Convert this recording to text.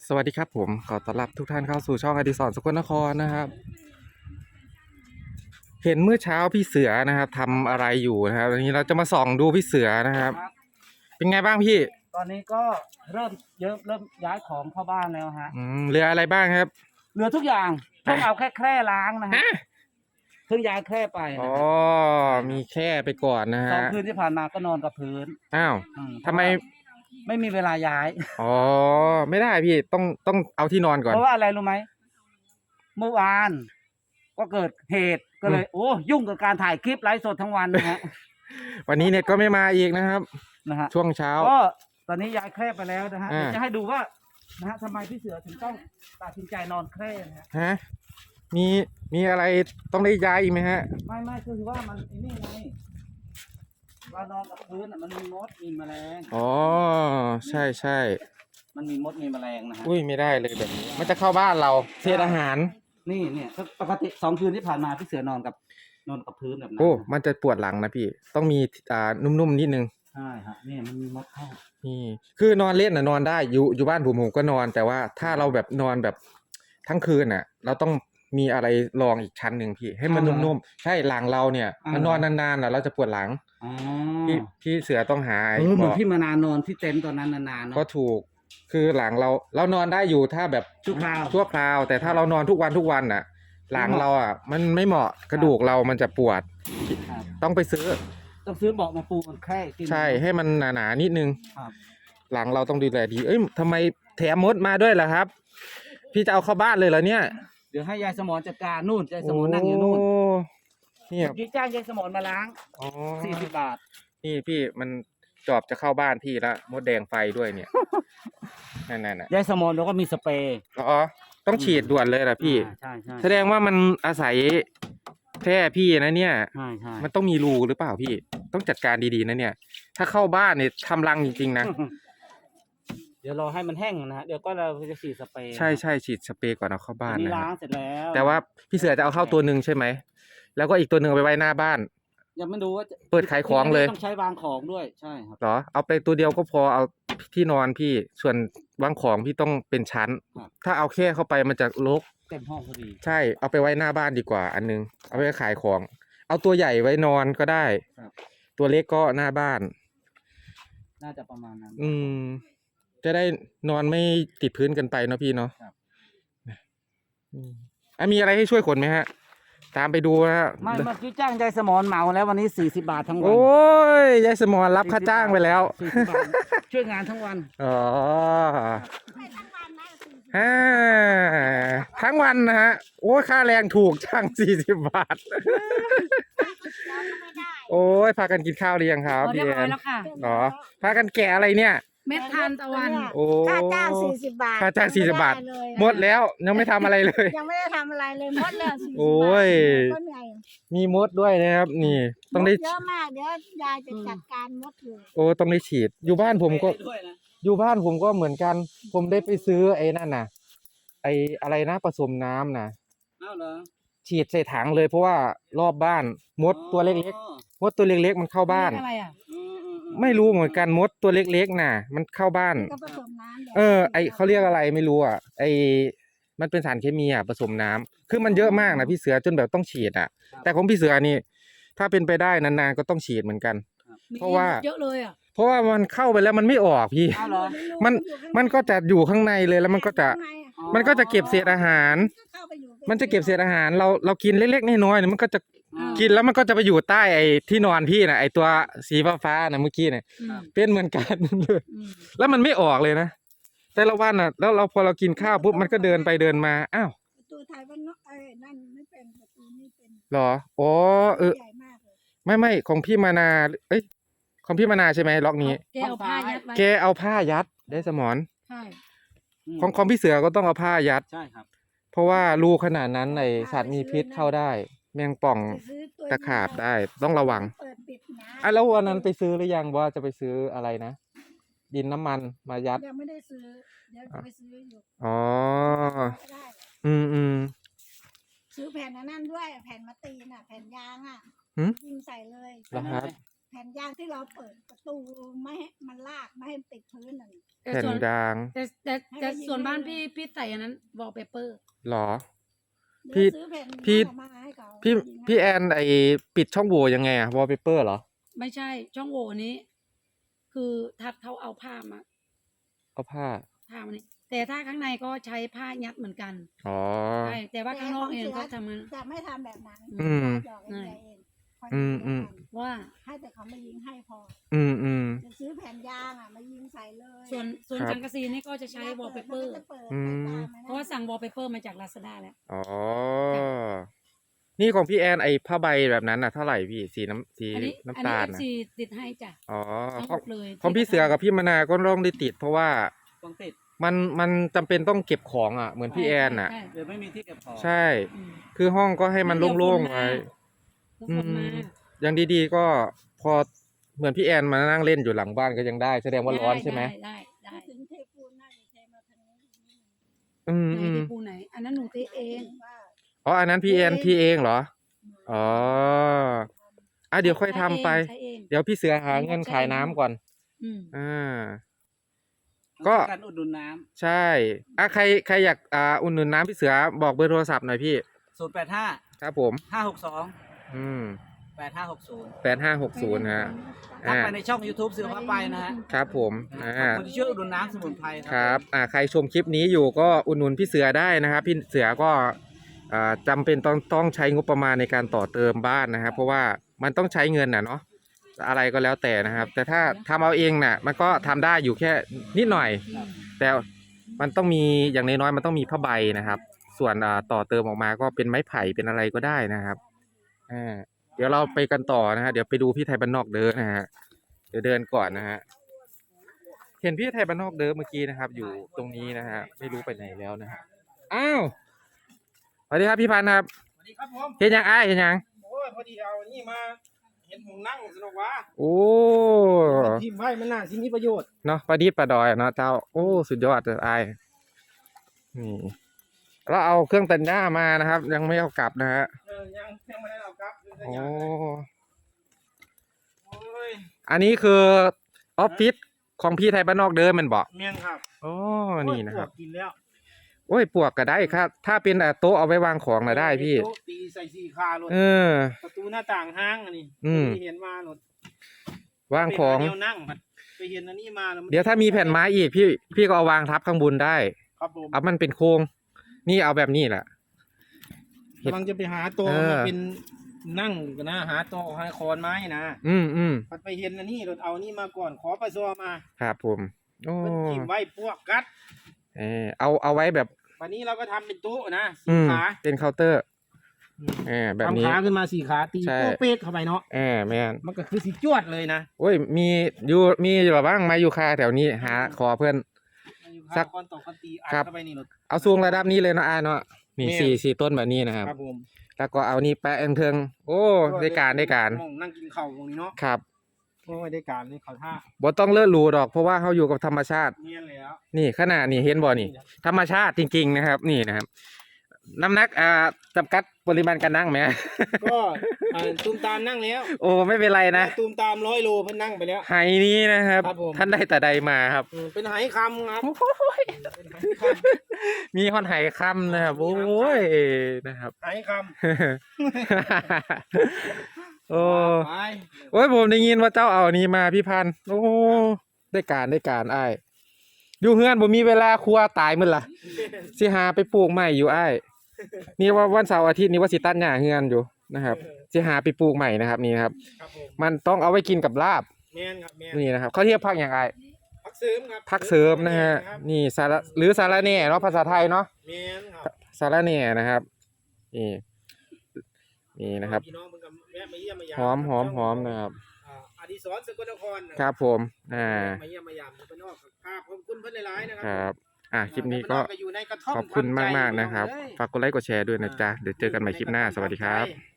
สวัสดีครับผมขอต้อนรับทุกท่านเข้าสู่ช่องอดิศรสกลนครนะครับเห็นเมื่อเช้าพี่เสือนะครับทำอะไรอยู่นะครับวันนี้เราจะมาส่องดูพี่เสือนะครับเป็นไงบ้างพี่ตอนนี้ก็เริ่มย้ายของเข้าบ้านแล้วฮะเหลืออะไรบ้างครับเหลือทุกอย่างเพิ่งเอาแค่ล้างนะฮะเพิ่งย้ายแค่ไปอ๋นะอมีแค่ไปก่อนนะฮะ 2 คืนที่ผ่านมาก็นอนกับพื้นอ้าวทำไมไม่มีเวลาย้ายอ๋อไม่ได้พี่ต้องเอาที่นอนก่อนเพราะว่าอะไรรู้ไหมเมื่อวานก็เกิดเหตุก็เลยโอ้ยุ่งกับการถ่ายคลิปไลฟ์สดทั้งวันนะฮะวันนี้เน็ตก็ไม่มาอีกนะครับนะฮะช่วงเช้าก็ตอนนี้ย้ายแคร่ไปแล้วนะฮะอ่าจะให้ดูว่านะฮะทำไมพี่เสือถึงต้องตัดสินใจนอนแคร่นะฮะฮะมีอะไรต้องได้ย้ายอีกไหมฮะไม่คือว่ามันไอ้นี่ไงเรานอนกับพื้นมันมีมดมีแมลงอ๋อใช่มันมีมดมีแมลงนะฮะอุ้ยไม่ได้เลยแบบนี้มันจะเข้าบ้านเราเศษอาหารนี่เนี่ยปกติ2 คืนที่ผ่านมาพี่เสือนอนกับพื้นแบบนั้นโอ้มันจะปวดหลังนะพี่ต้องมีนุ่มๆนิดนึงใช่ฮะนี่มันมีมดเข้านี่คือนอนเล่นนอนได้อยู่บ้านผมก็นอนแต่ว่าถ้าเราแบบนอนแบบทั้งคืนเราต้องมีอะไรรองอีกชั้นหนึ่งพี่ให้มันนุ่มๆใช่หลังเราเนี่ยมันนอนนานๆเราจะปวดหลังอ๋อพี่เสือต้องหาเหมือนพี่มานานนอนที่เต็นท์ตอนนั้นนานๆเนาะก็ถูกคือหลังเรานอนได้อยู่ถ้าแบบชั่วคราวแต่ถ้าเรานอนทุกวันหลังเรามันไม่เหมาะกระดูกเรามันจะปวดต้องไปซื้อเบาะมาปูมันแค่ใช่ให้มันหนานิดนึงครับหลังเราต้องดูแลดีเอ้ยทำไมแถมมดมาด้วยล่ะครับ พี่จะเอาเข้าบ้านเลยเหรอเนี่ยเดี๋ยวให้ยายสมรจัดการนู่นยายสมรนั่งอยู่นู่นนี่พี่จ้างยายสมรมาล้าง40 บาทนี่พี่มันจอบจะเข้าบ้านพี่ละมดแดงไฟด้วยเนี่ยนั่นยายสมรแล้วก็มีสเปรย์อ๋อต้องฉีดด่วนเลยล่ะพี่ใช่แสดงว่ามันอาศัยแพร่พี่นะเนี่ยใช่มันต้องมีรูหรือเปล่าพี่ต้องจัดการดีๆนะเนี่ยถ้าเข้าบ้านเนี่ยทำรังจริงๆนะเดี๋ยวรอให้มันแห้งนะฮะเดี๋ยวก็เราจะฉีดสเปรย์ใช่ฉีดสเปรย์ก่อนเอาเข้าบ้านนี่นะล้างเสร็จแล้วแต่ว่าพี่เสือจะเอาเข้าตัวหนึ่งใช่ไหมแล้วก็อีกตัวหนึ่งเอาไปไว้หน้าบ้านยังไม่ดูว่าเปิดขายของเลยต้องใช้วางของด้วยใช่ครับเหรอเอาไปตัวเดียวก็พอเอาที่นอนพี่ส่วนวางของพี่ต้องเป็นชั้นถ้าเอาแค่เข้าไปมันจะรกเต็มห้องพอดีใช่เอาไปไว้หน้าบ้านดีกว่าอันนึงเอาไปขายของเอาตัวใหญ่ไว้นอนก็ได้ตัวเล็กก็หน้าบ้านน่าจะประมาณนั้นจะได้นอนไม่ติดพื้นกันไปเนาะพี่เนาะมีอะไรให้ช่วยขนไหมฮะตามไปดูนะไม่เมื่อกี้จ้างยายสมรเหมาแล้ววันนี้40 บาททั้งวันโอ้ยยายสมรรับค่าจ้างไปแล้ว 40 บาทช่วยงานทั้งวันอ๋อทั้งวันนะฮะโอ้ยค่าแรงถูกจ้าง40 บาทโอ้ยพากันกินข้าวหรือยังครับพี่แอนอ๋อพากันแกะอะไรเนี่ยเม็ดทานตะวันโอ้ค่าจ้าง40 บาทค่าจ้าง40 บาทหมดแล้วยังไม่ทำอะไรเลยยังไม่ได้ทำอะไรเลยหมดเลยโอ้ยมีมดด้วยนะครับนี่ต้องได้เยอะมากเดี๋ยวยายจะจัดการมดเลยโอ้ต้องได้ฉีดอยู่บ้านผมก็เหมือนกันผมได้ไปซื้อไอ้นั่นน่ะไอ้อะไรนะผสมน้ำนะฉีดใส่ถังเลยเพราะว่ารอบบ้านมดตัวเล็กๆมันเข้าบ้านไม่รู้เหมือนกันมดตัวเล็กๆน่ะมันเข้าบ้านไอเขาเรียกอะไรไม่รู้ไอมันเป็นสารเคมีผสมน้ำคือมันเยอะมากนะพี่เสือจนแบบต้องฉีดแต่ของพี่เสือนี่ถ้าเป็นไปได้นานๆก็ต้องฉีดเหมือนกันเพราะว่าเยอะเลยเพราะว่ามันเข้าไปแล้วมันไม่ออกพี่มันก็จะอยู่ข้างในเลยแล้วมันก็จะเก็บเศษอาหารมันจะเก็บเศษอาหารเรากินเล็กๆน้อยๆเนี่ยมันก็จะกินแล้วมันก็จะไปอยู่ใต้ไอ้ที่นอนพี่นะไอ้ตัวสีฟ้าๆนะเมื่อกี้เนี่ยเป็นเหมือนกันเลยแล้วมันไม่ออกเลยนะแต่ละวันแล้วเราพอเรากินข้าวปุ๊บมันก็เดินไปเดินมาอ้าวประตูไทยว่านั่นไม่เป็นประตูนี่เป็นหรออ๋อใหญ่มากเลยไม่ของพี่มานาของพี่มานาใช่ไหมล็อกนี้แกเอาผ้ายัดไว้แกเอาผ้ายัดได้สมอนใช่ของพี่เสือก็ต้องเอาผ้ายัดใช่ครับเพราะว่ารูขนาดนั้นในสัตว์มีพิษเข้าได้แมงป่องตะขาบได้ต้องระวังแล้ววันนั้นไปซื้อหรือยังว่าจะไปซื้ออะไรนะดินน้ำมันมายัดยังไม่ได้ซื้อเดี๋ยวจะไปซื้ออยู่อ๋อซื้อแผ่นนั่นด้วยแผ่นมาตีน่ะแผ่นยางยิงใส่เลยนะครับแผ่นยางที่เราเปิดประตูไม่ให้มันลากไม่ให้ติดพื้นนั่นแต่แผ่นส่วนยางแต่ส่วนบ้านพี่ใส่อันนั้นวอลเปเปอร์เหรอเดี๋ยวพี่ซื้อแผ่นพี่นั่นมาให้เขาพี่ยิงให้พี่แอนไอปิดช่องโหว่ยังไงอะวอลเปเปอร์เหรอไม่ใช่ช่องโหว่นี้ คือทัดเขาเอาผ้ามาเอาผ้ามานี่แต่ถ้าข้างในก็ใช้ผ้ายัดเหมือนกันอ๋อใช่แต่ว่าข้างนอกเองก็ทำมันจะไม่ทำแบบนั้นอืมหยอกเองเองคอยอืมดูแล้วกันว่าให้แต่เขามายิงให้พออืมจะซื้อแผ่นยางอ่ะมายิงใส่เลยส่วนครับสังกะสีนี่ก็จะใช้วอลเปเปอร์มันก็จะปิดอืมไปตามไอ้นั่นเพราะว่าสั่งวอลเปเปอร์มาจากลาซาด้าแล้วอ๋อ นี่ของพี่แอนไอผ้าใบแบบนั้นน่ะเท่าไหร่พี่สีน้ำอันนี้น้ำตาลเอฟน่ะซีติดให้จ้ะอ๋อทั้งขหอมงดเลยของพี่เสือกับพี่มนาก็ต้องได้ติด เพราะว่าต้องติดมันจำเป็นต้องเก็บของอ่ะ เหมือนพี่แอนน่ะใช่เดี๋ยวไม่มีที่เก็บของใช่อืมคือห้องก็ให้มันโล่งๆไว้ทุกคนมาอย่างดีๆก็พอเหมือนพี่แอนมานั่งเล่นอยู่หลังบ้านก็ยังได้ แสดงว่าร้อนใช่ไหมได้ถึงเทปูนน่าจะเทมาทางนี้นิดนึงอืมไหนที่ปูไหน อันนั้นหนูเทเองว่าอ๋ออันนั้นพี่แอนที่เองเหรอ อ๋อเดี๋ยวค่อยทำไปใช้เองเดี๋ยวพี่เสือหาเงินขายน้ำก่อนอืมอ่าก็ก็การอุดหนุนน้ใช่ใครอยากอุ่นหนุนน้ำพี่เสือบอกเบอร์โทรศัพท์หน่อยพี่ำ085 ครับผม 562 อืม 8560 8560ฮะทักไปในช่อง YouTube เสือพาไปนะฮะครับผมขอบคุณที่ช่วยอุดหนุนน้ำสมุนไพรครับ ใครชมคลิปนี้อยู่ก็อุดหนุนพี่เสือได้นะครับ พี่เสือก็จำเป็นต้องใช้งบประมาณในการต่อเติมบ้านนะครับ เพราะว่ามันต้องใช้เงินน่ะเนาะ อะไรก็แล้วแต่นะครับ แต่ถ้าทำเอาเองน่ะ มันก็ทำได้อยู่แค่นิดหน่อย แต่มันต้องมีอย่างน้อยๆมันต้องมีผ้าใบนะครับ ส่วนต่อเติมออกมาก็เป็นไม้ไผ่เป็นอะไรก็ได้นะครับเดี๋ยวเราไปกันต่อนะฮะเดี๋ยวไปดูพี่ไทยบ้านนอกเดินนะฮะเดี๋ยวเดินก่อนนะฮะเห็นพี่ไทยบ้านนอกเดินเมื่อกี้นะครับ อยู่ตรงนี้นะฮะไม่รู้ไปไหนแล้วนะฮะอ้าวสวัสดีครับพี่พันธ์ครับสวัสดีครับผมเห็นยังเห็นยังโอ้ยพอดีเอานี่มาเห็นหงนั่งสนุกวะโอ้พิมพ์ไว้มันน่าสิมีประโยชน์เนาะประดิษฐ์ประดอยเนาะเจ้าโอ้สุดยอดเลยนี่เราเอาเครื่องตัดหญ้ามานะครับ ยังไม่เอากลับนะฮะยังไม่ได้เอาครับโอ้โอ้ยอันนี้คือออฟฟิศของพี่ไทยบ้านนอกเดิมมันบอกเมียนครับอ๋อนี่นะครับโอ้ยปวดกินแล้วโอ้ยปวกก็ได้ครับถ้าเป็นโต๊ะเอาไว้วางของนะได้พี่โต๊ะตีใส่สี่คาเลยเออประตูหน้าต่างห้างอันนี้อืมที่เห็นมาหนดวางของเดียวนั่งไปเห็นอันนี้มาแล้วนเดี๋ยวถ้ามีแผ่นไม้อีกพี่ก็เอาวางทับข้างบนได้ครับผมเอามันเป็นโครงนี่เอาแบบนี้แหละกำลังจะไปหาโต๊ะเออมาเป็นนั่งกันนะหาโต๊ะให้คอนไม้นะอืมพัดไปเห็นอันนี้รถเอานี่มาก่อนขอประซอมาครับผมโอ้เพิ่นทิ่มไว้พวกกัดเอาไว้แบบวันนี้เราก็ทำเป็นโต๊ะนะสีอืมขาเป็นเคาน์เตอร์แบบนี้ทำขาขึ้นมาสี่ขาตีใช่โป๊ะเป๊กเข้าไปเนาะแม่นมันก็คือสีจวดเลยนะโอ้ยมีอยู่หรอบ้างมาอยู่คาแถวนี้หาขอเพื่อน สักคอนตกคอนตีอัดครับเข้าไปนี่รถเอาสูงระดับนี้เลยเนาะเนาะนี่แม่นสี่ต้นแบบนี้นะครับครับผมแล้วก็เอานี่แปะเทิงโอ้ได้การมองนั่งกินข้าวตรงนี้เนาะครับโอ้ยได้การนี่เขาท่าบ่ต้องเลิศหรูดอกเพราะว่าเขาอยู่กับธรรมชาติเนียนแล้วนี่ขนาดนี่เห็นบ่นี่ ธรรมชาติจริง ๆ นะครับ นี่นะครับ น้ำหนักจำกัดปริมาณการนั่งไหมก็ตูมตามนั่งแล้วโอ้ไม่เป็นไรนะตูมตาม100 โลเพิ่นนั่งไปแล้วไหนี้นะครับครับผมท่านได้แต่ใดมาครับเป็นไหคำครับเป็นไหคมีฮอนไหค่ำนะครับโอ้ยนะครับำไหคโอ้ำไปโอ้ยผมได้ยินว่าเจ้าเอาอันนี้มาพี่พันธุ์โอ้ได้การอ้ายอยู่เฮือนผมมีเวลาครัวตายมื้อล่ะสิหาไปปลูกใหม่อยู่อ้ายนี่ว่าวันเสาร์อาทิตย์นี้ว่าสิตัดหญ้าเฮือนอยู่นะครับสิหาไปปลูกใหม่นะครับนี่นะครับครับผมมันต้องเอาไว้กินกับลาบแม่นครับแม่นนี่นะครับเขาเรียกผักอย่างไรพักเสริมครับผักเสริมนะฮะนี่สาระหรือสาระแหน่เนาะภาษาไทยเนาะแม่นครับสาระแหน่นะครับนี่นะครับพี่น้องเพิ่นก็แวะมาเยี่ยมมายามหอมนะครับอดิศรสกลนครนะครับผมมาเยี่ยมมายามเพิ่นนอกครับขอบคุณเพิ่นหลายๆนะคครัรับคลิปนี้ก็อยู่ในกระท่อมขอบคุณทำใจมากๆนะครับพี่องเอ้ยฝากกดไลค์กดแชร์ด้วยนะจ๊ะเดี๋ยวเจอกันใหม่คลิปหน้าสวัสดีครับทำใจ